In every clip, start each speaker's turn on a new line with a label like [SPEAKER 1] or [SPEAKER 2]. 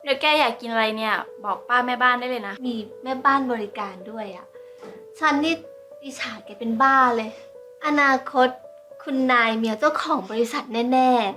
[SPEAKER 1] ดี๋ยวแกอยากกินอะไรเนี่ยบอกป้าแม่บ้านได้เลยนะ
[SPEAKER 2] มีแม่บ้านบริการด้วยอ่ะ ฉันนี่อิจฉาแกเป็นบ้าเลย อนาคตคุณนายเมียเจ้าของบริษัทแน่ๆ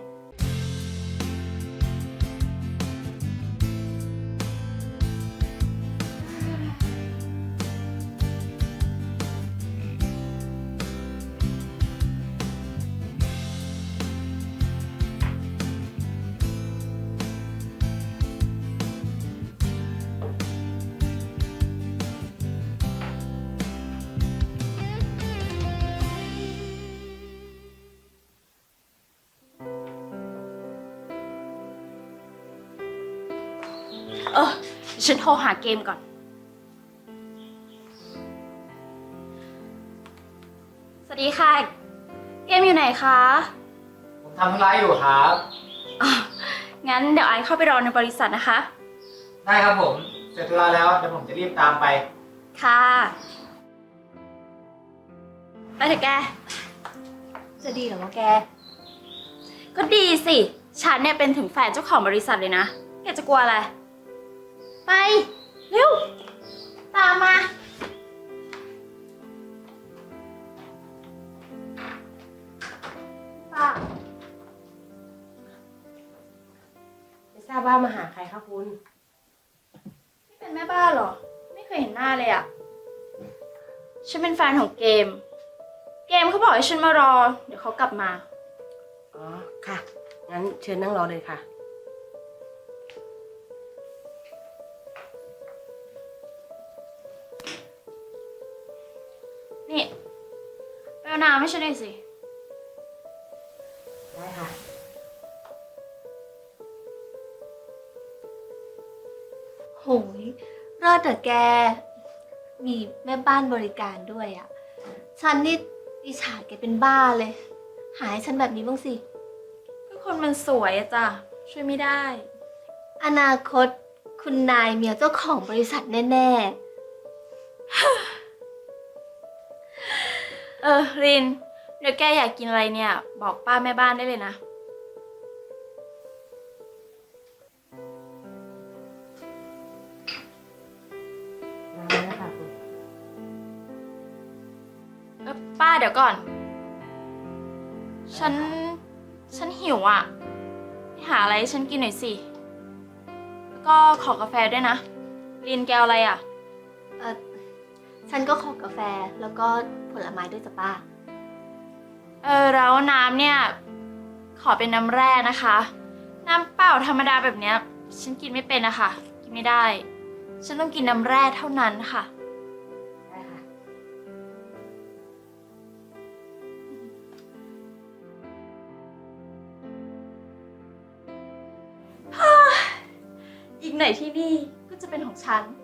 [SPEAKER 1] ฉันโทรหาเกมก่อนสวัสดีค่ะ เกมอยู่ไหนคะ
[SPEAKER 3] ผมทำธุระอยู่ครับ
[SPEAKER 1] อ๋องั้นเดี๋ยวไอซ์เข้าไปรอในบริษัทนะคะ
[SPEAKER 3] ได้ครับผม เสร็จธุระแล้วเดี๋ยวผมจะรีบตามไป
[SPEAKER 1] ค่ะไปเถอะแก
[SPEAKER 2] จะดีเหรอวะแก
[SPEAKER 1] ก็ดีสิ ฉันเนี่ยเป็นถึงแฟนเจ้าของบริษัทเลยนะ แกจะกลัวอะไร ไป เร็ว ตามมา
[SPEAKER 2] ป้า
[SPEAKER 4] ไม่ทราบว่ามาหาใครคะคุณ
[SPEAKER 1] นี่เป็นแม่บ้านเหรอ ไม่เคยเห็นหน้าเลยอะฉันเป็นแฟนของเกม เกมเขาบอกให้ฉันมารอ เดี๋ยวเขากลับมา
[SPEAKER 4] อ๋อ ค่ะ งั้นเชิญนั่งรอเลยค่ะ
[SPEAKER 1] นี่ไปเอาน้ำให้ฉันหน่อยสิ
[SPEAKER 4] ได้ค่ะ
[SPEAKER 2] โหยรอดแต่แก มีแม่บ้านบริการด้วยอ่ะ ฉันนี่อิจฉาแกเป็นบ้าเลย หาให้ฉันแบบนี้บ้างสิ
[SPEAKER 1] ก็คนมันสวยอะจ้ะ ช่วยไม่ได้
[SPEAKER 2] อนาคตคุณนายเมียเจ้าของบริษัทแน่
[SPEAKER 1] ริน เดี๋ยวแกอยากกินอะไรเนี่ย บอกป้าแม่บ้านได้เลยนะ
[SPEAKER 4] น้ำแล้วนะคะคุณ
[SPEAKER 1] ป้าเดี๋ยวก่อน ฉันหิวอ่ะไปหาอะไรให้ฉันกินหน่อยสิ แล้วก็ขอกาแฟด้วยนะ รินแกวอะไรอ่ะ
[SPEAKER 2] ๆ ฉันก็ขอกาแฟแล้วก็ผลไม้ด้วยจ้ะป้า
[SPEAKER 1] แล้วน้ำเนี่ย ขอเป็นน้ำแร่นะคะ น้ำเปล่าธรรมดาแบบเนี้ย ฉันกินไม่เป็นนะคะ กินไม่ได้ ฉันต้องกินน้ำแร่เท่านั้นค่ะ
[SPEAKER 4] ได้ค่ะ
[SPEAKER 1] อีกหน่อยที่นี่ก็จะเป็นของฉัน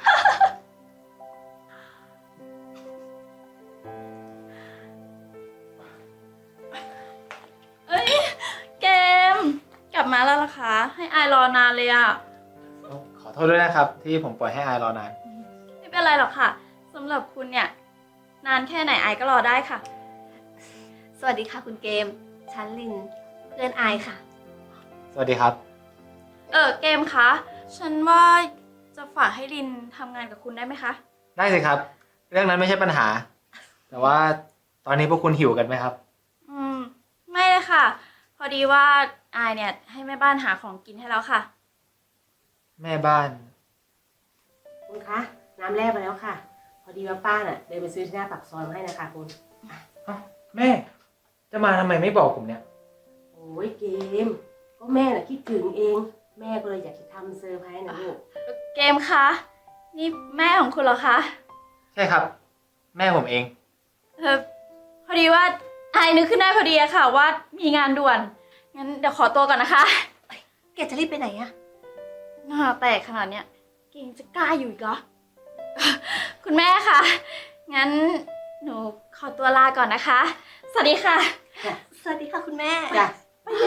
[SPEAKER 1] เอ้ย เกม กลับมาแล้วล่ะคะ ให้อายรอนานเลยอะ
[SPEAKER 3] ขอโทษด้วยนะครับ ที่ผมปล่อยให้อายรอนาน
[SPEAKER 1] ไม่เป็นไรหรอกค่ะสำหรับคุณเนี่ย นานแค่ไหนอายก็รอได้ค่ะ
[SPEAKER 2] สวัสดีค่ะคุณเกม ฉันลิน เพื่อนอายค่ะ
[SPEAKER 3] สวัสดีครับ
[SPEAKER 1] เกมคะ ฉันว่าจะฝากให้ลินทำงานกับคุณได้ไหมคะ
[SPEAKER 3] ได้สิครับ เรื่องนั้นไม่ใช่ปัญหา แต่ว่าตอนนี้พวกคุณหิวกันไหมครับ
[SPEAKER 1] ไม่เลยค่ะ พอดีว่าอายเนี่ยให้แม่บ้านหาของกินให้แล้วค่ะ
[SPEAKER 3] แม่บ้าน
[SPEAKER 4] คุณคะ น้ำแร่มาแล้วค่ะ พอดีว่าป้าน่ะเดินไปซื้อที่หน้าปากซอยมาให้นะคะคุณ
[SPEAKER 3] แม่ จะมาทำไมไม่บอกผมเนี่ย
[SPEAKER 4] โอ้ยเกม ก็แม่น่ะคิดถึงเอง แม่ก็เลยอยากจะทำเซอร์ไพรส์นะลูก
[SPEAKER 1] เกมคะ นี่แม่ของคุณเหรอคะ
[SPEAKER 3] ใช่ครับ แม่ผมเอง
[SPEAKER 1] พอดีว่าอายนึกขึ้นได้พอดีอะค่ะว่ามีงานด่วน งั้นเดี๋ยวขอตัวก่อนนะคะ
[SPEAKER 2] แกจะรีบไปไหนอะ
[SPEAKER 1] หน้าแตกขนาดเนี้ยเก่งจะกล้าอยู่อีกเหรอ คุณแม่คะ งั้นหนูขอตัวลาก่อนนะคะ สวัสดีค่ะ
[SPEAKER 2] สวัสดีค่ะคุณแม่
[SPEAKER 4] จ้ะ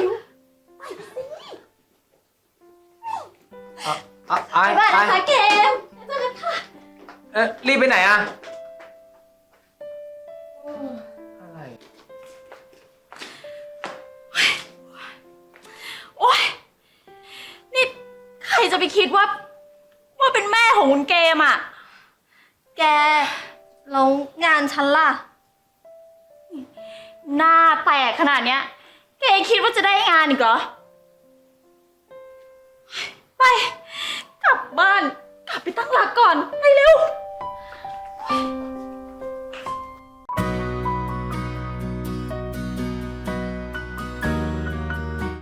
[SPEAKER 3] อาย
[SPEAKER 1] บ๊ายบาย
[SPEAKER 3] อา
[SPEAKER 1] นะคะ
[SPEAKER 3] ย
[SPEAKER 1] เกมเจอกันค่ะ
[SPEAKER 3] รีบไปไหนอะอะไร
[SPEAKER 1] โอ๊ย นี่ใครจะไปคิดว่าเป็นแม่ของคุณเกมอ่ะ
[SPEAKER 2] แกแล้วงานฉันล่ะ
[SPEAKER 1] หน้าแตกขนาดเนี้ยแกยังคิดว่าจะได้งานอีกเหรอ ไป กลับบ้าน กลับไปตั้งหลักก่อน